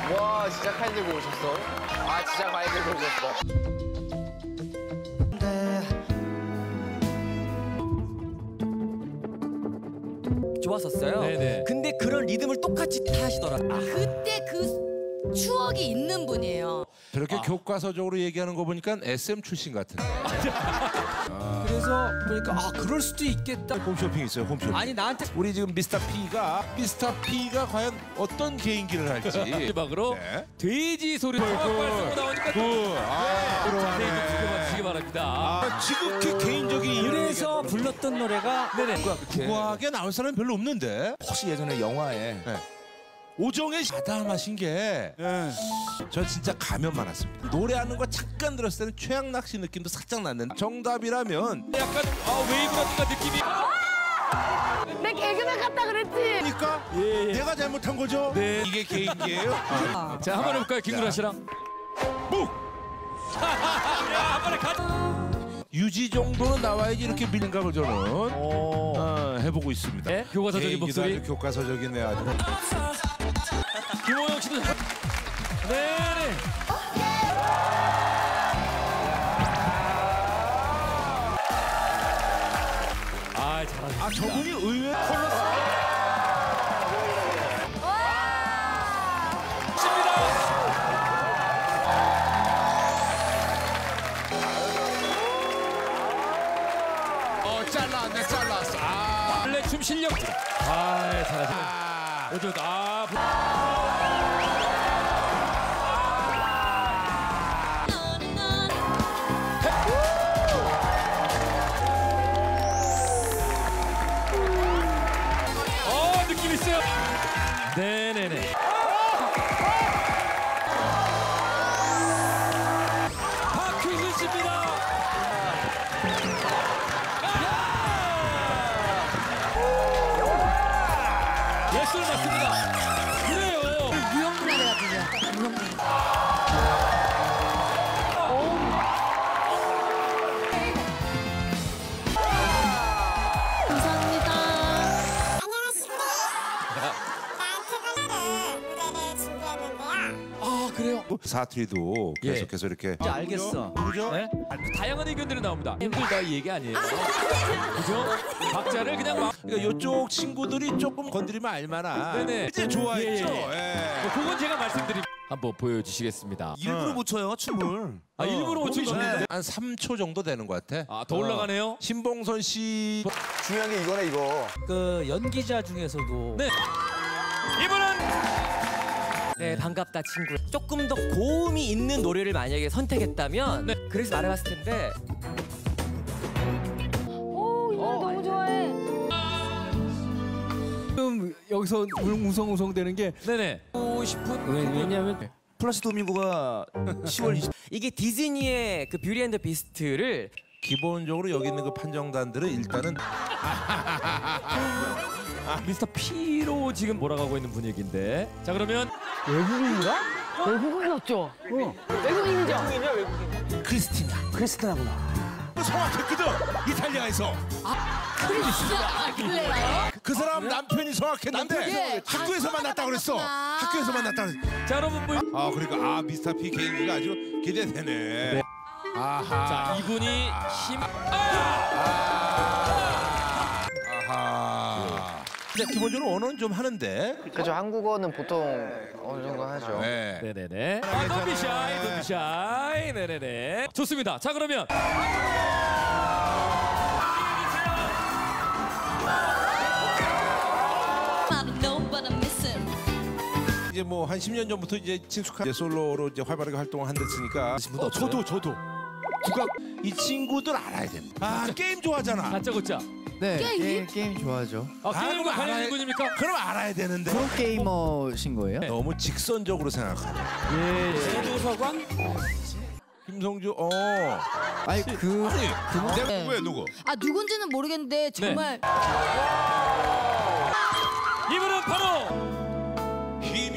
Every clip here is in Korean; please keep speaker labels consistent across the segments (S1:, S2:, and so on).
S1: 와, 진짜 칼 들고 오셨어? 아, 진짜 칼 들고 오셨어.
S2: 좋았었어요.
S3: 네네.
S2: 근데 그런 리듬을 똑같이 타시더라고요.
S4: 그때 그 추억이 있는 분이에요.
S5: 저렇게 교과서적으로 얘기하는 거 보니까 SM 출신 같은데.
S3: 그래서 보니까 그럴 수도 있겠다.
S5: 홈쇼핑 있어요, 홈쇼핑.
S2: 아니 나한테
S5: 우리 지금 미스터 P가 과연 어떤 개인기를 할지.
S3: 막으로
S5: 네.
S3: 돼지 소리 발성으로 나오니까
S5: 들어가네.
S3: 지켜봐주시기 바랍니다.
S5: 지극히 개인적인
S2: 그래서 불렀던 노래가
S3: 네네.
S5: 국악에 나올 사람이 별로 없는데.
S6: 혹시 예전에 영화에
S5: 오정의 아담하신 게 저 진짜 가면 많았습니다. 노래하는 거 잠깐 들었을 때는 최양락 씨 느낌도 살짝 났는데 정답이라면
S3: 약간 웨이브 같은 느낌이.
S4: 내 개그맨 같다 그랬지.
S5: 그러니까 내가 잘못한 거죠?
S3: 네.
S5: 이게 개인기예요?
S3: 자, 한번 해볼까요, 김구라 씨랑?
S5: 묵!
S3: 한 번에 가.
S5: 유지 정도는 나와야지 이렇게 밀감을 저는 해보고 있습니다.
S3: 네? 교과서적인
S5: 개인기도
S3: 목소리.
S5: 아주 교과서적이네 아주.
S3: 김호영 씨도. 네네. 잘하셨습니다.
S5: 저분이 의외 컬러. 잘랐어.
S3: 원래 춤 실력. 잘하시네. 요즘 느낌 있어요. 네네네. 박효신 씨입니다. 예술 맞습니다. 그래요.
S4: 유형문화래가 들려. 유형문화. 감사합니다.
S3: 그래요.
S5: 사투리도 계속해서 이렇게.
S2: 이제 알겠어.
S5: 그죠?
S3: 네? 다양한 의견들이 나옵니다. 힘들다 이 얘기 아니에요. 그죠? 박자를 그냥 막.
S5: 그러니까 이쪽 친구들이 조금 건드리면 알만한.
S3: 네네.
S5: 이제 좋아했죠.
S3: 그건 제가 말씀드리. 한번 보여주시겠습니다.
S6: 일부러 못 춰요 춤을.
S3: 일부러 못 추셨는데.
S5: 한 3초 정도 되는 것 같아.
S3: 더 올라가네요.
S5: 신봉선 씨.
S1: 중요한 게 이거네, 이거.
S2: 그 연기자 중에서도
S3: 네. 이분은
S2: 네 반갑다 친구. 조금 더 고음이 있는 노래를 만약에 선택했다면 그래서 말해봤을 텐데.
S4: 오, 이 노래 너무 좋아해.
S7: 지금 여기서 웅성웅성 되는 게
S3: 네네.
S7: 하고 싶은 왜냐면
S6: 플라시 도밍고가 10월 20일
S2: 이게 디즈니의 그 뷰티 앤 더 비스트를
S5: 기본적으로 여기 있는 그 판정단들은 일단은
S3: 미스터 P로 지금 몰아가고 있는 분위기인데. 자 그러면
S4: 외국인인가? 외국인이었죠? 외국인이죠?
S5: 크리스티나구나. 성악했거든 이탈리아에서.
S4: 그래요?
S5: 그 사람 남편이 성악했는데 학교에서 만났다 그랬어. 학교에서 만났다 그랬어.
S3: 자 여러분 뭐.
S5: 그러니까 미스터 P 개인기가 아주 기대되네. 아하.
S3: 자 이분이 힘.
S5: 아하. 근데 기본적으로 언어는 좀 하는데.
S1: 그죠, 한국어는 보통 어느 정도 하죠.
S5: 네.
S3: 네네네. Don't be shy, don't be shy. 네네네. 좋습니다. 자 그러면.
S5: 이제 뭐 한 10년 전부터 이제 친숙한 이제 솔로로 이제 활발하게 활동을 한댔으니까. 저도. 국악 이 친구들 알아야 됩니다. 게임 좋아하잖아.
S3: 다짜고짜.
S8: 네, 게임 좋아하죠.
S3: 게임과
S5: 알아야-
S3: 관련된 분입니까?
S5: 그럼 알아야 되는데.
S8: 프로게이머신 거예요?
S5: 너무 직선적으로 생각하네.
S2: 김도서관?
S5: 김성주,
S8: 아니
S5: 왜 누구?
S4: 아, 누군지는 모르겠는데 정말
S3: 이분은 바로
S5: 힘.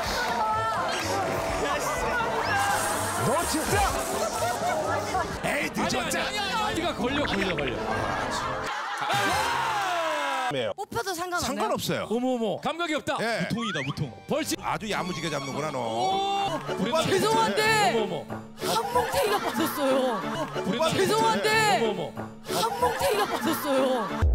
S5: 너 진짜? 에이 늦었잖아.
S3: 아니가 걸려.
S4: 뽑혀 잡혀도 상관없나요?
S5: 상관없어요.
S3: 어머어머 감각이 없다.
S5: 예.
S6: 무통이다 무통.
S3: 벌칙.
S5: 아주 야무지게 잡는구나 너.
S4: 죄송한데
S3: 어머어머.
S4: 한몽태기가 빠졌어요. 죄송한데
S3: 어머어머.
S4: 한몽태기가 빠졌어요.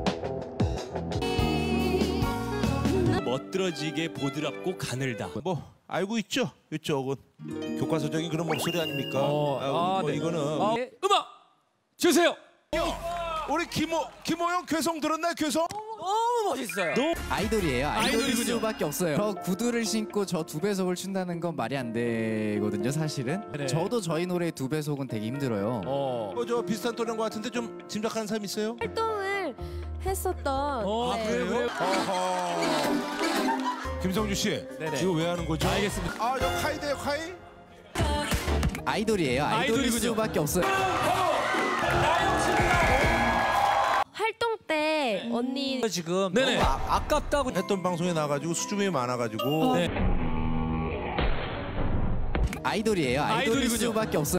S9: 멋들어지게 보드랍고 가늘다.
S5: 뭐 알고 있죠? 이쪽은 교과서적인 그런 목소리 아닙니까? 뭐
S3: 네.
S5: 이거는
S3: 네. 음악 주세요.
S5: 우리 김호영 괴성 들었나요? 괴성?
S2: 너무 멋있어요.
S8: 아이돌이에요. 아이돌일
S3: 아이돌이군요.
S8: 수밖에 없어요. 저 구두를 신고 저 2배속을 춘다는 건 말이 안 되거든요, 사실은.
S3: 네.
S8: 저도 저희 노래 2배속은 되게 힘들어요.
S5: 저 비슷한 또래인 것 같은데 좀 짐작하는 사람 있어요?
S10: 활동을 했었던 네.
S3: 그래요.
S5: 어허. 김성주 씨,
S3: 네네.
S5: 이거 왜 하는 거죠?
S3: 알겠습니다.
S5: 저 카이대요, 카이?
S8: 아이돌이에요. 아이돌일
S3: 아이돌이군요.
S8: 수밖에 없어요.
S10: 활동 때 언니
S2: 지금
S3: 네네.
S2: 너무 아깝다고.
S5: 했던 방송에 나가지고 수줍음이 많아가지고
S3: 네.
S8: 아이돌이에요. 아이돌일
S3: 아이돌이군요.
S8: 수밖에 없어요.